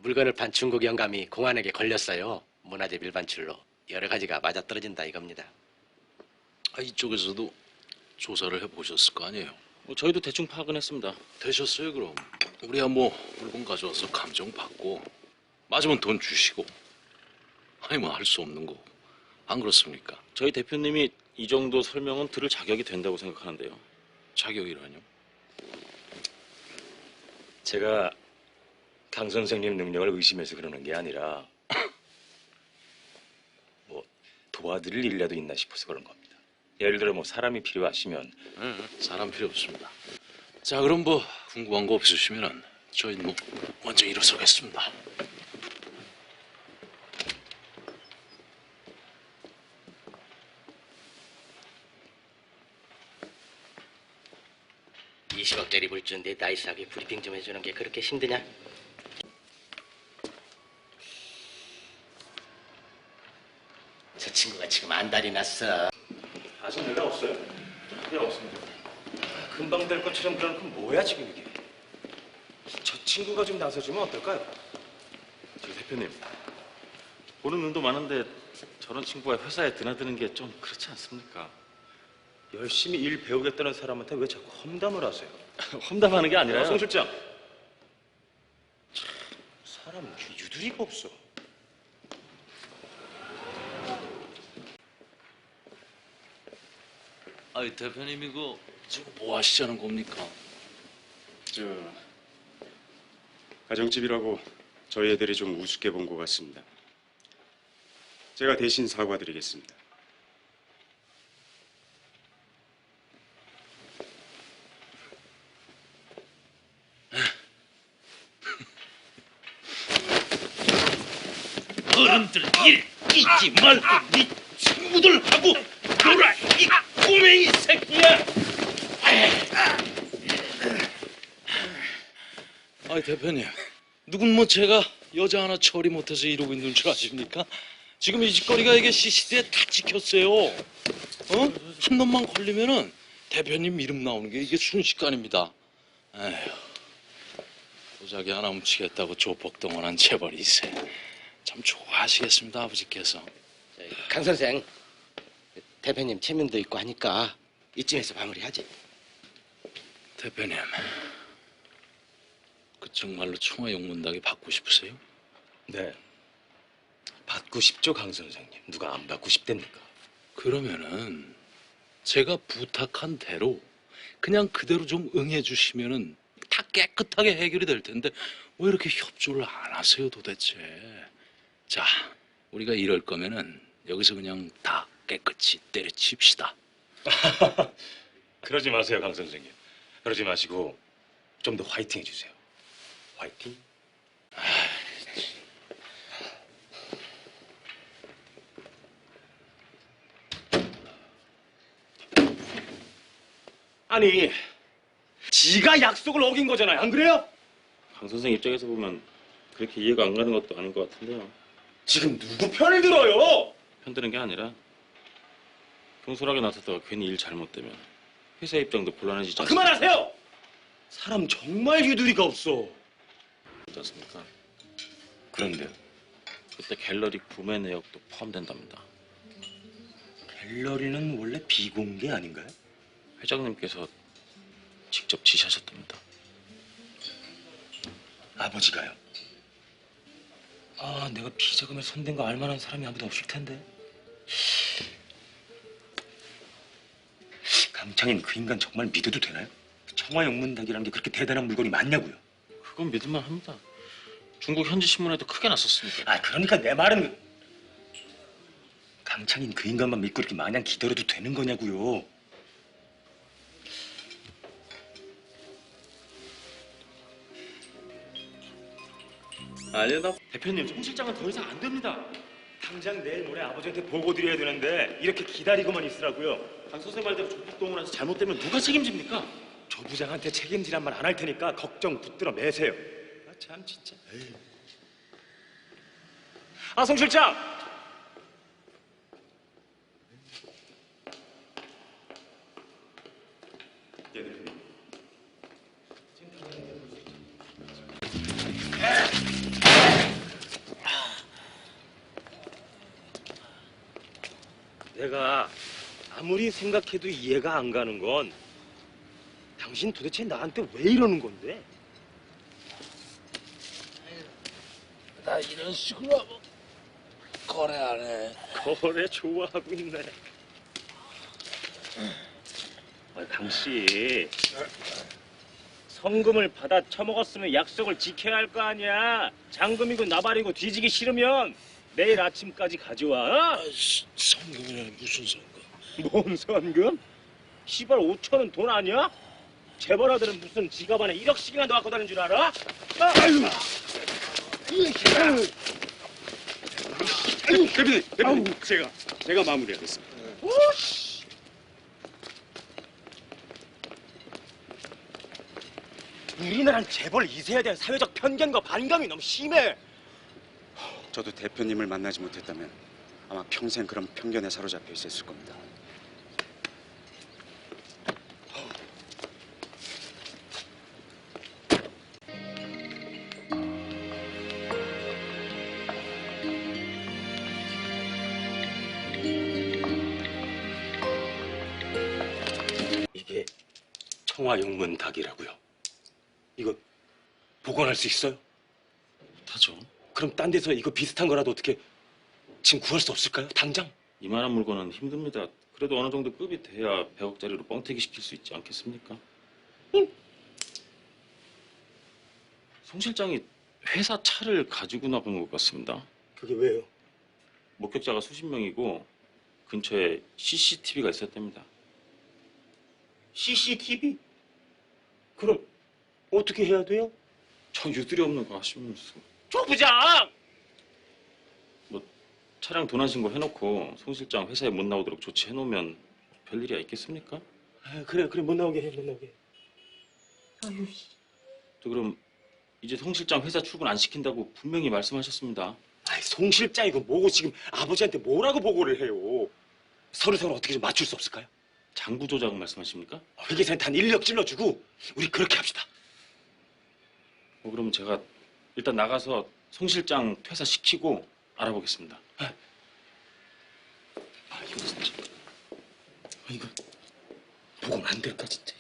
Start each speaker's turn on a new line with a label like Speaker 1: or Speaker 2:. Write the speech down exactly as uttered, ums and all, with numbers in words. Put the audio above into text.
Speaker 1: 물건을 판 중국 영감이 공안에게 걸렸어요. 문화재 밀반출로. 여러 가지가 맞아떨어진다 이겁니다.
Speaker 2: 아, 이쪽에서도 조사를 해보셨을 거 아니에요?
Speaker 3: 뭐 저희도 대충 파악은 했습니다.
Speaker 2: 되셨어요 그럼? 우리야 뭐 물건 가져와서 감정 받고 맞으면 돈 주시고 아니 뭐 할 수 없는 거 안 그렇습니까?
Speaker 3: 저희 대표님이 이 정도 설명은 들을 자격이 된다고 생각하는데요.
Speaker 2: 자격이라뇨?
Speaker 4: 제가 강 선생님 능력을 의심해서 그러는 게 아니라 뭐 도와드릴 일이라도 있나 싶어서 그런 겁니다. 예를 들어 뭐 사람이 필요하시면.
Speaker 2: 네, 사람 필요 없습니다. 자 그럼 뭐 궁금한 거 없으시면은 저희 뭐 먼저 일어서겠습니다.
Speaker 1: 이십억짜리 물주인데 나이스하게 브리핑 좀 해주는 게 그렇게 힘드냐? 저 친구가 지금 안달이 났어.
Speaker 4: 아직 연락 없어요? 네, 없습니다. 금방 될 것처럼 그러는 건 뭐야 지금 이게? 저 친구가 좀 나서주면 어떨까요?
Speaker 3: 저 대표님, 보는 눈도 많은데 저런 친구가 회사에 드나드는 게 좀 그렇지 않습니까?
Speaker 4: 열심히 일 배우겠다는 사람한테 왜 자꾸 험담을 하세요?
Speaker 3: 험담하는 게 아니라요.
Speaker 4: 송 실장. 참, 사람은 유두리가 없어.
Speaker 2: 아이 대표님 이거 지금 뭐 하시자는 겁니까?
Speaker 5: 저 가정집이라고 저희 애들이 좀 우습게 본 것 같습니다. 제가 대신 사과드리겠습니다.
Speaker 2: 어른들 일 잊지 말고 네 친구들하고 놀아 이 꼬맹이 새끼야. 아이 대표님 누군 뭐 제가 여자 하나 처리 못해서 이러고 있는 줄 아십니까? 지금 이 짓거리가 이게 씨씨티비에 다 찍혔어요. 어? 한 놈만 걸리면은 대표님 이름 나오는 게 이게 순식간입니다. 에휴 도자기 하나 훔치겠다고 조폭동원한 재벌이세. 참 좋아하시겠습니다 아버지께서.
Speaker 1: 강 선생, 대표님 체면도 있고 하니까 이쯤에서 마무리하지.
Speaker 2: 대표님 그 정말로 청와 용문닭이 받고 싶으세요?
Speaker 4: 네. 받고 싶죠, 강 선생님. 누가 안 받고 싶답니까?
Speaker 2: 그러면은 제가 부탁한 대로 그냥 그대로 좀 응해 주시면은 다 깨끗하게 해결이 될 텐데 왜 이렇게 협조를 안 하세요 도대체? 자 우리가 이럴 거면은 여기서 그냥 다 깨끗이 때려칩시다.
Speaker 4: 그러지 마세요, 강 선생님. 그러지 마시고 좀 더 화이팅 해주세요. 화이팅? 아니, 지가 약속을 어긴 거잖아요. 안 그래요?
Speaker 3: 강 선생 입장에서 보면 그렇게 이해가 안 가는 것도 아닌 것 같은데요.
Speaker 4: 지금 누구 편을 들어요?
Speaker 3: 편드는 게 아니라 경솔하게 나섰다가 괜히 일 잘못되면 회사 입장도 곤란해지지
Speaker 4: 아, 그만하세요! 사람 정말 유두리가 없어.
Speaker 3: 않습니까?
Speaker 4: 그런데요.
Speaker 3: 그때 갤러리 구매 내역도 포함된답니다.
Speaker 4: 갤러리는 원래 비공개 아닌가요?
Speaker 3: 회장님께서 직접 지시하셨답니다.
Speaker 4: 아버지가요? 아, 내가 비자금에 손댄 거 알만한 사람이 아무도 없을 텐데. 강창인 그 인간 정말 믿어도 되나요? 청화영문닭이라는 게 그렇게 대단한 물건이 맞냐고요?
Speaker 3: 그건 믿을만 합니다. 중국 현지 신문에도 크게 났었으니까.
Speaker 4: 아, 그러니까 내 말은 강창인 그 인간만 믿고 이렇게 마냥 기다려도 되는 거냐고요?
Speaker 3: 아니요, 나
Speaker 4: 대표님, 송 실장은 더 이상 안 됩니다. 당장 내일 모레 아버지한테 보고 드려야 되는데 이렇게 기다리고만 있으라고요.
Speaker 3: 강 선생 말대로 조폭동원해서 잘못되면 누가 책임집니까?
Speaker 4: 조 부장한테 책임지란 말 안 할 테니까 걱정 붙들어 매세요. 아, 참 진짜. 에이. 아, 송 실장! 예, 대표님. 내가 아무리 생각해도 이해가 안 가는 건 당신 도대체 나한테 왜 이러는 건데?
Speaker 2: 나 이런 식으로 하면 거래 안 해.
Speaker 4: 거래 좋아하고 있네. 아, 강씨, 성금을 받아 처먹었으면 약속을 지켜야 할 거 아니야. 장금이고 나발이고 뒤지기 싫으면 내일 아침까지 가져와. 어?
Speaker 2: 성금이라니 무슨 성금?
Speaker 4: 뭔 선금? 시발 오천 원 돈 아니야? 재벌아들은 무슨 지갑 안에 일억씩이나 넣어갖고 다니는 줄 알아? 아유!
Speaker 5: 대표님, 대표님, 제가 제가 마무리하겠습니다.
Speaker 4: 우리나라는 재벌 이 세에 대한 사회적 편견과 반감이 너무 심해.
Speaker 5: 저도 대표님을 만나지 못했다면 아마 평생 그런 편견에 사로잡혀 있었을 겁니다.
Speaker 4: 이게 청화영문 닭이라고요. 이거 복원할 수 있어요?
Speaker 3: 타죠.
Speaker 4: 그럼 딴 데서 이거 비슷한 거라도 어떻게 지금 구할 수 없을까요? 당장?
Speaker 3: 이만한 물건은 힘듭니다. 그래도 어느 정도 급이 돼야 백억짜리로 뻥튀기 시킬 수 있지 않겠습니까?
Speaker 4: 응.
Speaker 3: 송 실장이 회사 차를 가지고 나간 것 같습니다.
Speaker 4: 그게 왜요?
Speaker 3: 목격자가 수십 명이고 근처에 씨씨티비가 있었답니다.
Speaker 4: 씨씨티비? 그럼 어떻게 해야 돼요?
Speaker 3: 저 유두리 없는 거 하시면서
Speaker 4: 조 부장!
Speaker 3: 뭐 차량 도난 신고 해놓고 송 실장 회사에 못 나오도록 조치해놓으면 별일이야 있겠습니까?
Speaker 4: 아, 그래 그래 못 나오게 해 못 나오게 해. 아유,
Speaker 3: 또 그럼 이제 송 실장 회사 출근 안 시킨다고 분명히 말씀하셨습니다.
Speaker 4: 아이, 송 실장이고 뭐고 지금 아버지한테 뭐라고 보고를 해요? 서로 서로 어떻게 좀 맞출 수 없을까요?
Speaker 3: 장부 조작 말씀하십니까?
Speaker 4: 회계사한테 한 인력 찔러주고 우리 그렇게 합시다.
Speaker 3: 뭐 그러면 제가 일단 나가서 송 실장 퇴사시키고 알아보겠습니다.
Speaker 4: 아, 이거 진짜 아, 이거 보고는 안 될까 진짜.